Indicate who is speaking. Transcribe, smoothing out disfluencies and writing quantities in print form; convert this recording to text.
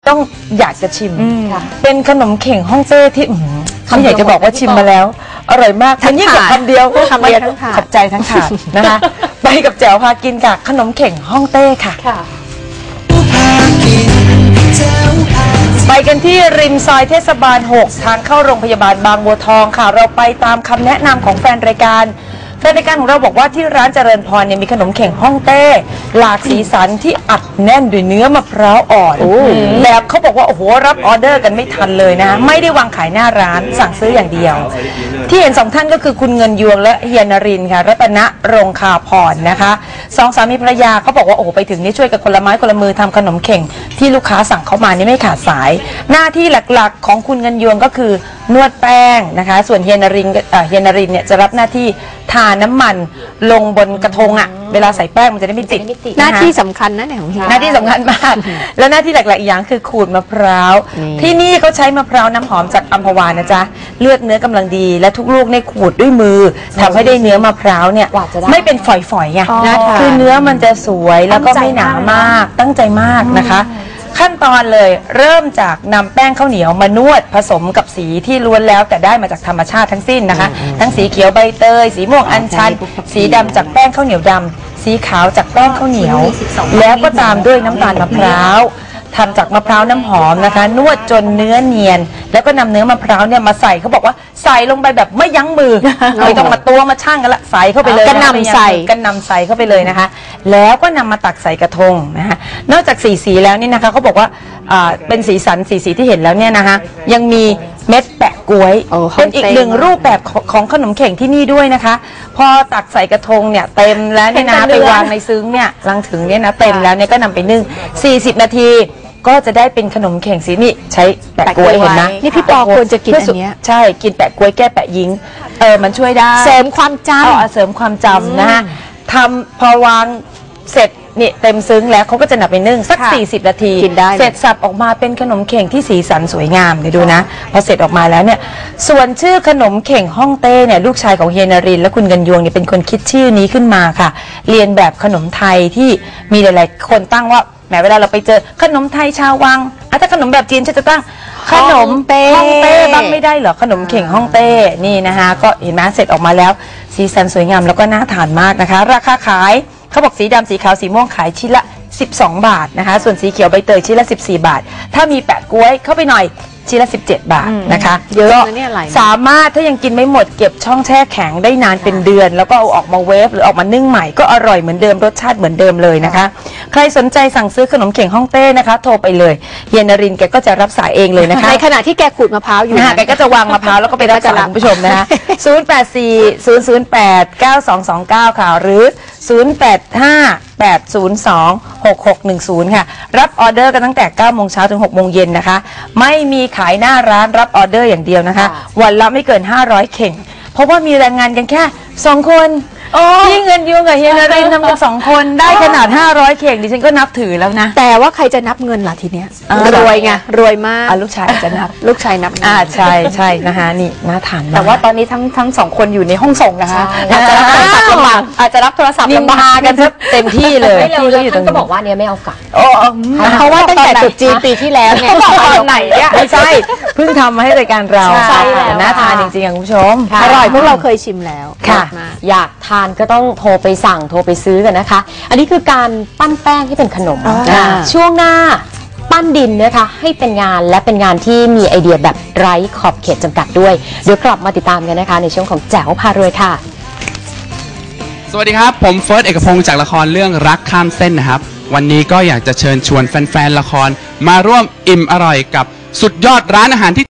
Speaker 1: ต้องอยากจะชิมเป็นขนมเข่งฮ่องเต้ที่ไม่อยากจะบอกว่าชิมมาแล้วอร่อยมากมันยิ่งกับคำเดียวขอบใจทั้งถาดนะคะไปกับแจ๋วพากินกับขนมเข่งฮ่องเต้ค่ะไปกันที่ริมซอยเทศบาล 6 ทางเข้าโรงพยาบาลบางบัวทองค่ะเราไปตามคำแนะนำของแฟนรายการของเราบอกว่าที่ร้านเจริญพรเนี่ยมีขนมเข่งฮ่องเต้หลากสีสันที่อัดแน่นด้วยเนื้อมะพร้าวอ่อนแบบเขาบอกว่าโอ้โหรับออเดอร์กันไม่ทันเลยนะไม่ได้วางขายหน้าร้านสั่งซื้ออย่างเดียวที่เห็น2ท่านก็คือคุณเงินยวงและเฮียนรินค่ะรัตนรงคาพรนะคะ2สามีภรรยาเขาบอกว่าโอ้โหไปถึงนี่ช่วยกันคนละไม้คนละมือทำขนมเข่งที่ลูกค้าสั่งเข้ามานี่ไม่ขาดสายหน้าที่หลักๆของคุณเงินยวงก็คือนวดแป้งนะคะส่วนเฮียนรินเนี่ยจะรับหน้าที่ทาน้ำมันลงบนกระทงอ่ะเวลาใส่แป้งมันจะได้ไม่ติด
Speaker 2: หน้าที่สำคัญนะเนี่ยของเฮีย
Speaker 1: หน้าที่สำคัญมากแล้วหน้าที่หลักๆอีกอย่างคือขูดมะพร้าวที่นี่เขาใช้มะพร้าวน้ำหอมจากอัมพวานะจ๊ะเลือดเนื้อกำลังดีและทุกลูกในขูดด้วยมือทำให้ได้เนื้อมะพร้าวเนี่ยไม่เป็นฝอยๆไงคือเนื้อมันจะสวยแล้วก็ไม่หนามากตั้งใจมากนะคะขั้นตอนเลยเริ่มจากนำแป้งข้าวเหนียวมานวดผสมกับสีที่ล้วนแล้วแต่ได้มาจากธรรมชาติทั้งสิ้นนะคะทั้งสีเขียวใบเตยสีม่วงอัญชันสีดำจากแป้งข้าวเหนียวดำสีขาวจากแป้งข้าวเหนียวแล้วก็ตามด้วยน้ำตาลมะพร้าวทำจากมะพร้าวน้ำหอมนะคะนวดจนเนื้อเนียนแล้วก็นำเนื้อมะพร้าวเนี่ยมาใส่เขาบอกว่าใส่ลงไปแบบไม่ยั้งมือไม่ต้องมาตัวมาช่างกันละใส่เข้าไปเลย
Speaker 2: กันนำใส่
Speaker 1: เข้าไปเลยนะคะแล้วก็นำมาตักใส่กระทงนะคะนอกจากสีแล้วนี่นะคะเขาบอกว่าเป็นสีสันสีที่เห็นแล้วเนี่ยนะคะยังมีเม็ดแปะก๊วยเป็นอีกหนึ่งรูปแบบของขนมเข่งที่นี่ด้วยนะคะพอตักใส่กระทงเนี่ยเต็มแล้วเนี่ยนะไปวางในซึ้งเนี่ยลังถึงเนี่ยนะเต็มแล้วเนี่ยก็นำไปนึ่ง40 นาทีก็จะได้เป็นขนมเข่งสีนี่ใช้แปะก๊วยเห็นนะ
Speaker 2: นี่พี่ปอควรจะกินอันนี้
Speaker 1: ใช่กินแปะก๊วยแก้แปะยิงมันช่วยได้
Speaker 2: เสริมความจำ
Speaker 1: เสริมความจำนะฮะทำพอวางเสร็จนี่เต็มซึ้งแล้วเขาก็จะนำไปนึ่งสัก40 นาทีเสร็จสับออกมาเป็นขนมเข่งที่สีสันสวยงามเดี๋ยวดูนะพอเสร็จออกมาแล้วเนี่ยส่วนชื่อขนมเข่งฮ่องเต้เนี่ยลูกชายของเฮียนรินและคุณเงินยวงเนี่ยเป็นคนคิดชื่อนี้ขึ้นมาค่ะเรียนแบบขนมไทยที่มีหลายๆคนตั้งว่าแม้เวลาเราไปเจอขนมไทยชาววังถ้าขนมแบบจีนจะตั้งขนมฮ่องเต้บ้างไม่ได้เหรอขนมเข่งฮ่องเต้นี่นะคะก็เห็นไหมเสร็จออกมาแล้วสีสันสวยงามแล้วก็น่าทานมากนะคะราคาขายเขาบอกสีดำสีขาวสีม่วงขายชิ้นละ12 บาทนะคะส่วนสีเขียวใบเตยชิ้นละ14 บาทถ้ามีแปะก๊วยเข้าไปหน่อยชิ้นละ17 บาทนะคะ
Speaker 2: เยอะนะเนี่ย
Speaker 1: สามารถถ้ายังกินไม่หมดเก็บช่องแช่แข็งได้นานเป็นเดือนแล้วก็เอาออกมาเวฟหรือออกมานึ่งใหม่ก็อร่อยเหมือนเดิมรสชาติเหมือนเดิมเลยนะคะใครสนใจสั่งซื้อขนมเข่งฮ่องเต้นะคะโทรไปเลยเฮียนรินแกก็จะรับสายเองเลยนะคะ
Speaker 2: ในขณะที่แกขูดมะพร้าวอยู่
Speaker 1: นะแกก็จะวางมะพร้าวแล้วก็ไปรับสายคุณผู้ชมนะคะ0840089229ค่ะหรือ0858026610ค่ะรับออเดอร์กันตั้งแต่9 โมงเช้าถึง6 โมงเย็นนะคะไม่มีขายหน้าร้านรับออเดอร์อย่างเดียวนะคะวันละไม่เกิน500 เข่งเพราะว่ามีแรงงานกันแค่2 คนที่เงินยวงกับเฮียนรินทำกัน2 คนได้ขนาด500 เข่งดิฉันก็นับถือแล้วนะ
Speaker 2: แต่ว่าใครจะนับเงินล่ะทีเนี้ยรวยไงรวยมาก
Speaker 1: ลูกชายจะนับ
Speaker 2: ลูกชายนับ
Speaker 1: ใช่นะคะนี่น่าทาน
Speaker 3: แต่ว่าตอนนี้ทั้ง2 คนอยู่ในห้องส่งนะคะอาจจะรับโทรศัพท์ลำบาก
Speaker 1: กันเต็มที่เลย
Speaker 3: ที่อยู่ตรงนี้ก็บอกว่าเนี่ยไม่เอากลับ
Speaker 2: เพราะว่าตั้งแต่จุดจีนปีที่แล้วเนี่ย
Speaker 3: ตอนไหนเนี่ย
Speaker 1: ไม่ใช่เพิ่งทำมาให้รายการเราน่าทานจริงๆคุณผู้ชม
Speaker 2: อร่อยพวกเราเคยชิมแล้ว
Speaker 1: ค่ะ
Speaker 3: อยากทานก็ต้องโทรไปสั่งโทรไปซื้อกันนะคะอันนี้คือการปั้นแป้งที่เป็นขนมช่วงหน้าปั้นดินนะคะให้เป็นงานและเป็นงานที่มีไอเดียแบบไร้ขอบเขตจำกัดด้วยเดี๋ยวกลับมาติดตามกันนะคะในช่วงของแจ๋วพารวยค่ะ
Speaker 4: สวัสดีครับผมเฟิร์สเอกพงศ์จากละครเรื่องรักข้ามเส้นนะครับวันนี้ก็อยากจะเชิญชวนแฟนๆละครมาร่วมอิ่มอร่อยกับสุดยอดร้านอาหารที่